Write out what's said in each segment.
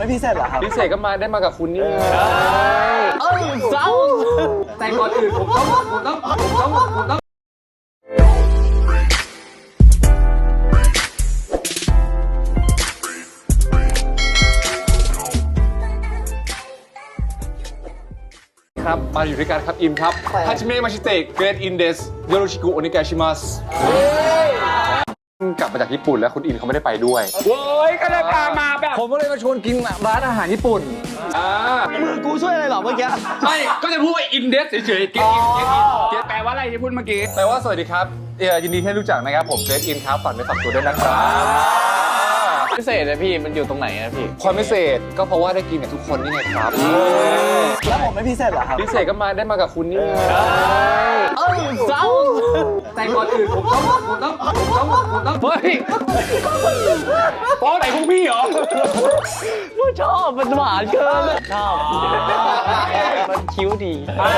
ไม่พิเศษเหรอครับพิเศษก็มาได้มากับคุณนี่เศร้าแต่ก่อนอื่นผมต้องครับมาอยู่ด้วยกันครับอิมครับฮาจิเมะมาชิเตะเกรดอินเดสโยโรชิกุโอนิกาชิมัสกลับมาจากญี่ปุ่นแล้วคุณอินเขาไม่ได้ไปด้วยโว้ยก็เลยพามาแบบผมก็เลยมาชวนกินร้านอาหารญี่ปุ่นมือกูช่วยอะไรหรอเมื่อกี้ไม่ก็จะพูดว่าอินเดสเฉยๆเกตแปลว่าอะไรที่พูดเมื่อกี้แปลว่าสวัสดีครับยินดีที่รู้จักนะครับผมเกรดอินครับฝากไปฝากตัวด้วยนะครับพิเศษนะพี่มันอยู่ตรงไหนนะพี่ความพิเศษก็เพราะว่าได้กินกับทุกคนนี่ไงครับแล้วผมไม่พิเศษเหรอครับพิเศษก็มาได้มากับคุณนี่เศร้าแต่ก่อนอื่นผมต้องเฮ้ยป้อนไหนพวกพี่เหรอชอบมันหวานเกินชอบมันคิ้วดี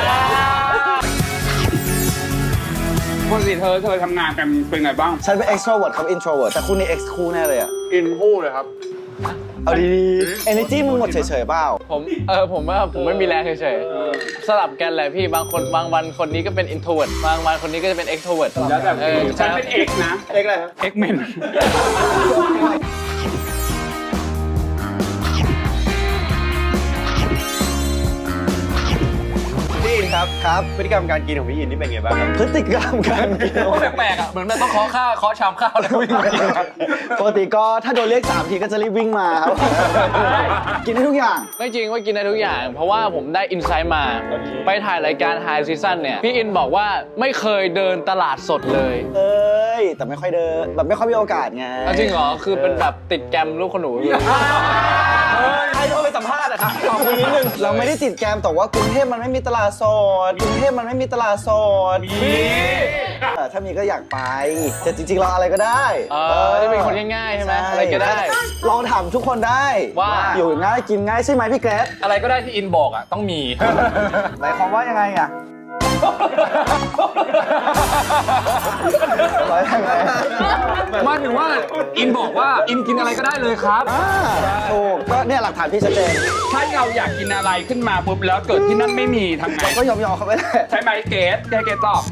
ปกติเธอทำงานกันเป็นไงบ้างฉันเป็น extrovert ครับ introvert แต่คุณนี่ ex คู่แน่เลยอ่ะอินพูดเลยครับเอาดีๆ energy มึงหมดเฉยๆเปล่าผมไม่มีแรงเฉยๆสลับกันแหละพี่บางวันคนนี้ก็เป็น introvert บางวันคนนี้ก็จะเป็น extrovert แล้วแบบฉันเป็นเอกนะเอกอะไรครับเอ็กเมนพี่อินครับพฤติกรรมการกินของพี่อินนี่เป็นไงบ้างครับพฤติกรรมการกินแปลกๆอ่ะเหมือนมันต้องเคาะชามข้าวแล้ววิ่งมากินปกติก็ถ้าโดนเรียก3 ทีก็จะรีบวิ่งมาครับกินได้ทุกอย่างไม่จริงว่ากินได้ทุกอย่างเพราะว่าผมได้อินไซต์มาไปถ่ายรายการ High Season เนี่ยพี่อินบอกว่าไม่เคยเดินตลาดสดเลยแต่ไม่ค่อยเดินแบบไม่ค่อยมีโอกาสไงจริงเหรอคือเป็นแบบติดแกรมลูกขนูอยู่ใครโทรไปสัมภาษณ์อะครับขอคุยนิดนึงเราไม่ได้ติดแกรมแต่ว่ากรุงเทพมันไม่มีตลาดสดถ้ามีก็อยากไปแต่จริงๆเราอะไรก็ได้ที่เป็นคนง่ายๆใช่ไหมอะไรก็ได้ลองถามทุกคนได้ว่าอยู่ง่ายกินง่ายใช่ไหมพี่เกรซอะไรก็ได้ที่อินบอกอ่ะต้องมีหมายความว่ายังไงอ่ะมาถึงว่าอินบอกว่าอินกินอะไรก็ได้เลยครับถูกก็เนี่ยหลักฐานพี่ชัดเจนถ้าเราอยากกินอะไรขึ้นมาปุ๊บแล้วเกิดที่นั่นไม่มีทำไงก็ยอมเขาไปเลยใช่ไหมเกตตอบ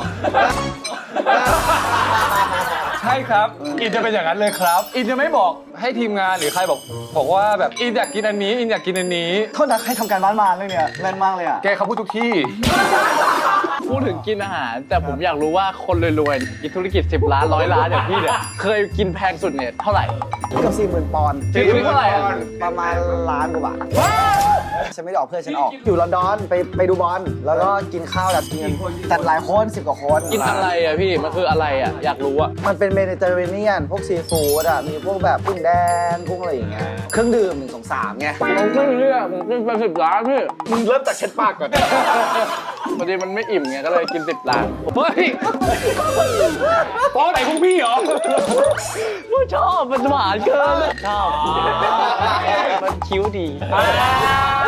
ใช่ครับอินจะเป็นอย่างนั้นเลยครับอินจะไม่บอกให้ทีมงานหรือใครบอกว่าแบบอินอยากกินอันนี้อินอยากกินอันนี้โทษนะให้ทำการบ้านมาเลยเนี่ยแม่นมากเลยอ่ะแกเขาพูดทุกที่พูดถึงกินอาหารแต่ผมอยากรู้ว่าคนรวยๆกินธุรกิจ10 ล้าน100 ล้านอย่างพี่เนี่ยเคยกินแพงสุดเนี่ยเท่าไหร่เกือบ40,000 ปอนด์เท่าไหร่ประมาณล้านกว่าบาทฉันไม่ได้ออกเพื่อนฉันออกอยู่ลอนดอนไปดูบอลแล้วก็กินข้าวแบบกินจัดหลายคน10 กว่าคนกินอะไรอ่ะพี่มันคืออะไรอ่ะอยากรู้อ่ะมันเป็นเมดิเตอร์เรเนียนพวกซีฟู้ดอ่ะมีพวกแบบกุ้งแดงกุ้งอะไรอย่างเงี้ยเครื่องดื่ม1 2 3ไงผมกินเนี่ยผมกินไป10 ล้านพี่มึงเริ่มจากเช็ดปากก่อนพอดีมันไม่อิ่มไงก็เลยกิน10 ล้านเฮ้ยป้อนไหนพวกพี่เหรอชอบมันหวานเกินชอบมันคิ้วดี